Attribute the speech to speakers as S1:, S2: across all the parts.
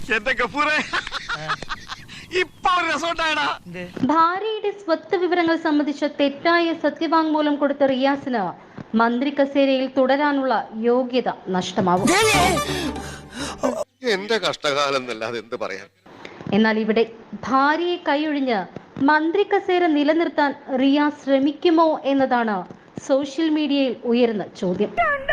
S1: ഭാര്യയുടെ സ്വത്ത് വിവരങ്ങൾ സംബന്ധിച്ച തെറ്റായ സത്യവാങ്മൂലം കൊടുത്ത റിയാസിന് മന്ത്രി കസേരയിൽ തുടരാനുള്ള യോഗ്യത നഷ്ടമാവും.
S2: എന്റെ കഷ്ടകാലം എന്നല്ലാതെ എന്ത് പറയാൻ.
S1: എന്നാൽ ഇവിടെ ഭാര്യയെ കൈയൊഴിഞ്ഞ് മന്ത്രി കസേര നിലനിർത്താൻ റിയാസ് ശ്രമിക്കുമോ എന്നതാണ് സോഷ്യൽ മീഡിയയിൽ ഉയരുന്ന ചോദ്യം.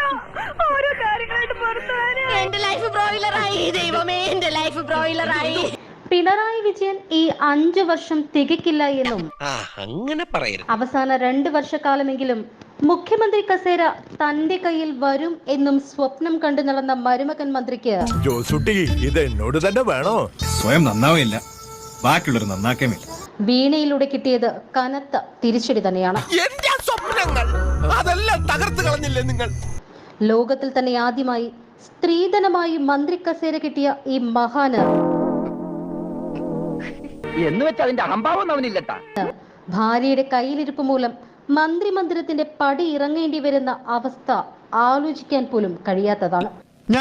S1: പിണറായി വിജയൻ ഈ 5 വർഷം തികക്കില്ല എന്നും അവസാന 2 വർഷക്കാലമെങ്കിലും മുഖ്യമന്ത്രി കസേര തന്റെ കയ്യിൽ വരും എന്നും സ്വപ്നം കണ്ടു നടന്ന മരുമകൻ മന്ത്രിക്ക്
S3: ഇത് എന്നോട് തന്നെ വേണോ? സ്വയം നന്നാവില്ല, ബാക്കിയുള്ളവർ നന്നാക്കേമില്ല.
S1: വീണയിലൂടെ കിട്ടിയത് കനത്ത തിരിച്ചടി തന്നെയാണ്. ലോകത്തിൽ തന്നെ ആദ്യമായി സ്ത്രീധനമായി മന്ത്രി കസേര കിട്ടിയ ഈ മഹാന് ഭാര്യയുടെ കയ്യിലിരിപ്പ് മൂലം മന്ത്രിമന്ദിരത്തിന്റെ പടി ഇറങ്ങേണ്ടി വരുന്ന അവസ്ഥ ആലോചിക്കാൻ പോലും കഴിയാത്തതാണ്.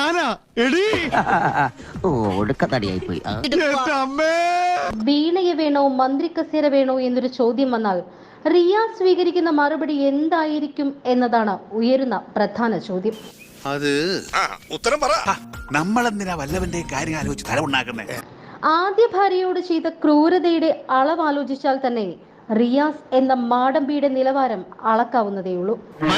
S1: വീണയെ വേണോ മന്ത്രി കസേര വേണോ എന്നൊരു ചോദ്യം വന്നാൽ റിയാസ് സ്വീകരിക്കുന്ന മറുപടി എന്തായിരിക്കും എന്നതാണ് ഉയരുന്ന പ്രധാന ചോദ്യം. ആദ്യ ഭാര്യയോട് ചെയ്ത ക്രൂരതയുടെ അളവ് ആലോചിച്ചാൽ തന്നെ റിയാസ് എന്ന മാടമ്പിയുടെ നിലവാരം അളക്കാവുന്നതേയുള്ളൂ.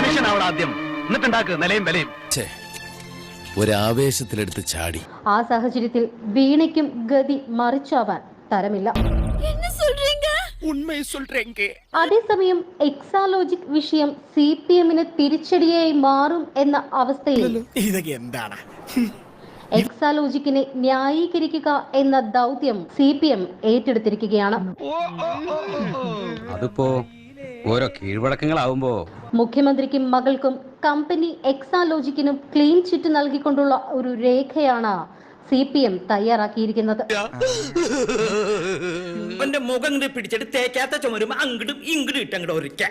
S4: ഒരാവേശത്തിലെടുത്ത് ചാടി.
S1: ആ സാഹചര്യത്തിൽ വീണയ്ക്കും ഗതി മറിച്ചാവാൻ തരമില്ല. അതേസമയം എക്സാലോജിക് വിഷയം CPM-ന് തിരിച്ചടിയായി മാറും എന്ന അവസ്ഥയിൽ എക്സാലോജിക്കിനെ ന്യായീകരിക്കുക എന്ന ദൗത്യം CPM ഏറ്റെടുത്തിരിക്കുകയാണ്.
S5: അതിപ്പോ ഓരോ കീഴ്വഴക്കങ്ങളാവുമ്പോ
S1: മുഖ്യമന്ത്രിക്കും മകൾക്കും കമ്പനി എക്സാലോജിക്കിനും ക്ലീൻ ചിറ്റ് നൽകിക്കൊണ്ടുള്ള ഒരു രേഖയാണ് CPM തയ്യാറാക്കിയിരിക്കുന്നത്.
S6: മുഖം പിടിച്ചിട്ട് തേക്കാത്ത ചുമരും അങ്ങോട്ടും ഇങ്ങോട്ടും ഇട്ടങ്ങോട്ട്